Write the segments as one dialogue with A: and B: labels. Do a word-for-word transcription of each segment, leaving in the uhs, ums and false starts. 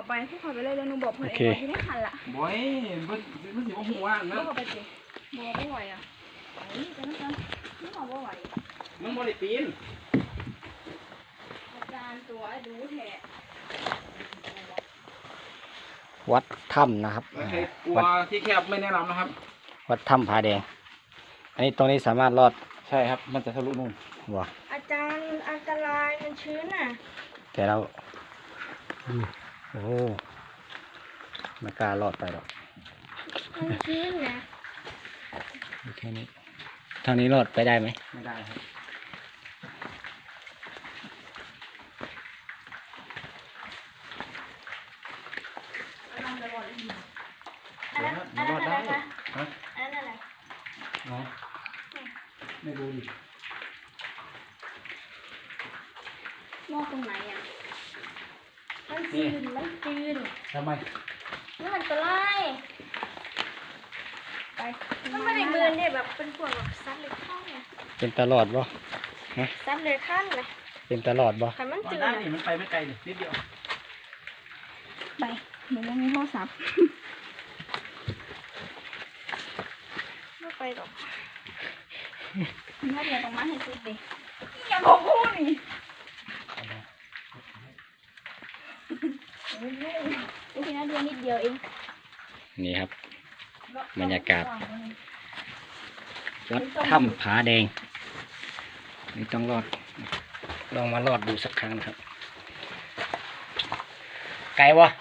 A: ไปพวกเขาไปเลยเดี๋ยวหนูบอกเพื่อนเองว่าที่ไม่ทันละ
B: บ่อยมันมันสิว่าหัวนะ
A: บอกไปสิบอกไม่ไหวอ่ะไหวจะนั่นกันไม่บอกว่าไหว
B: มันบ่ได้ปีน
A: อาจารย์ตัวดูแท้
C: วัดถ้ำนะครับ
B: วัดที่แคบไม่แนะนำนะครับ
C: วัดถ้ำผาแดงอันนี้ตรงนี้สามารถรอด
B: ใช่ครับมันจะทะลุนู่น
C: ว้า
A: อาจารย์อันตรายมันชื้นอ่ะ
C: แต่เราโอ้ไม่กล้ารอดไปหรอก
A: มันชื้นนะ
C: แค่นี้ทางนี้รอดไปได้ไหม
B: ไม่ได้ครับ
A: อันนั้นอันนั้นอะไรคะ
B: ฮะ
A: อันนั้นอะไร
B: เนาะไม่รู้ดิ
A: มองตรงไหนอ่ะมันจืดมันจืด
B: ทำไม
A: มันอันตรายไปมันไม่ได้เบือนเนี่ยแบบเป็นพวกแบบซัดเลยข้างเนี่ย
C: เป็นตลอดบ่
A: ฮะซัดเลยข้างเลย
C: เป็นตลอดบ่
A: แต่มันจืด
B: ได้นี่มันไปไม่ไกลเลยนิดเดียว
A: ไปหนูยังมีโทรศัพท์ไม่ไปหรอกน่าจะต้องมาให้สุดดิอย่าบอกพูดนี่โอเคนะเดือนนิดเดียวเอง
C: นี่ครับบรรยากาศวัดถ้ำผาแดงนี่ต้องรอดลองมารอดดูสักครั้งนะครับไกลวะ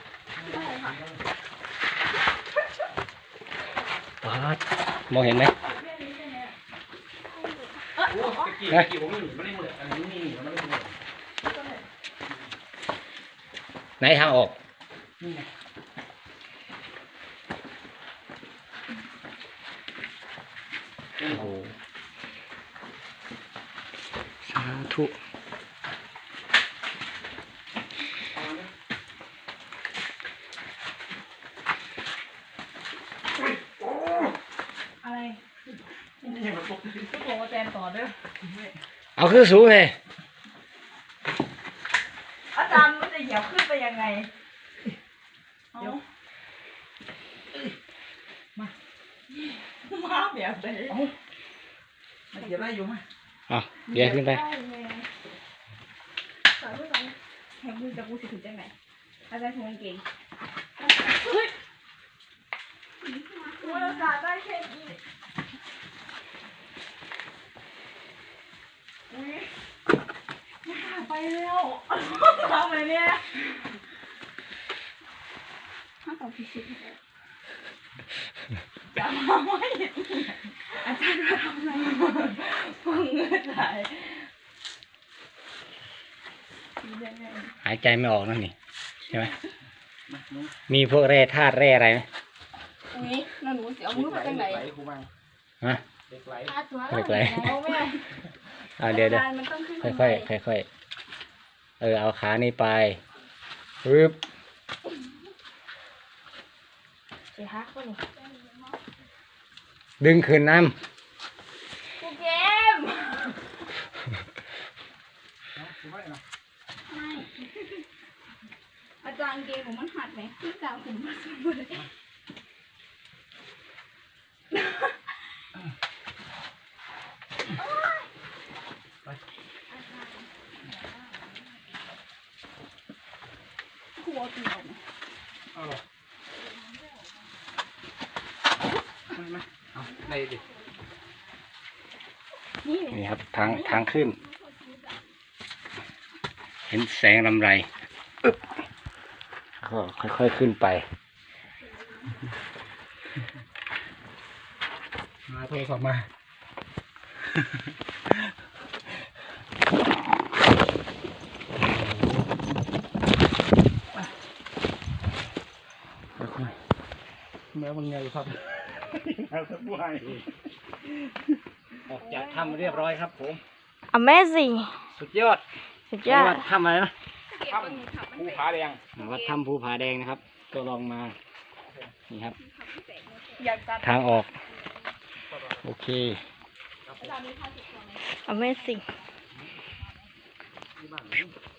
C: มองเห็นไหมไหนทางออกโอ้โหสาธุ
A: อะไรก็บอกว่าแตนต่อเด้อ
C: เอาคือสูงเลย
A: อาจารย์มันจะเหยียบขึ้นไปยังไงเดี๋ยวมามาแบบไหน
B: มันเหยียบได้อยู่ไหม
C: อ่ะเดี๋ยวขึ้นไป
A: สอนด้วยกันแข่งมือจะกูสิถึงจังไหนอาจารย์ทงเก่งว่าเราจ่ายได้แค่นี้ไปเร็วทำอะไรเนี่ยห้าต่อพิชิตจะมาไม่อาจารย์มาทำอะไรฟังเงินไหล
C: หายใจไม่ออกนั่นนี่ใช่ไหมมีพวกแร่ธาตุแร่อะไรไหม
A: นี่นั่นหนูเสียมือไปจังไหน
C: ฮะ
B: เด็กไหล
C: เด็กไหลเอาเดี๋ยวเดี๋ยวค่อยค่อยค่อยเออเอาขานี่ไปปึ๊บดึงขึ้นน้ำ
A: กูเกมไม่อาจารย์เกมผมมันหัดไหมที่กล่าวผมมาสมบูรณ์เลยหัวเปลี่ยว
B: เอาหรอไม่ไม่เอาได้ดิ
C: นี่ครับทางทางขึ้นเห็นแสงลำไรก็ค่อยๆขึ้นไป
B: มาโทรศัพท์มาแม้มันไงครับแล้วสักวัน
C: ออกจากถ้ำเรียบร้อยครับผม
A: Amazing
C: สุดยอด
A: สุดยอด
C: วัดถ้ำอะไรนะ
B: ถ้ำภูผาแดง
C: วัดถ้ำภูผาแดงนะครับก็ลองมานี่ครับทางออกโอเค
A: Amazing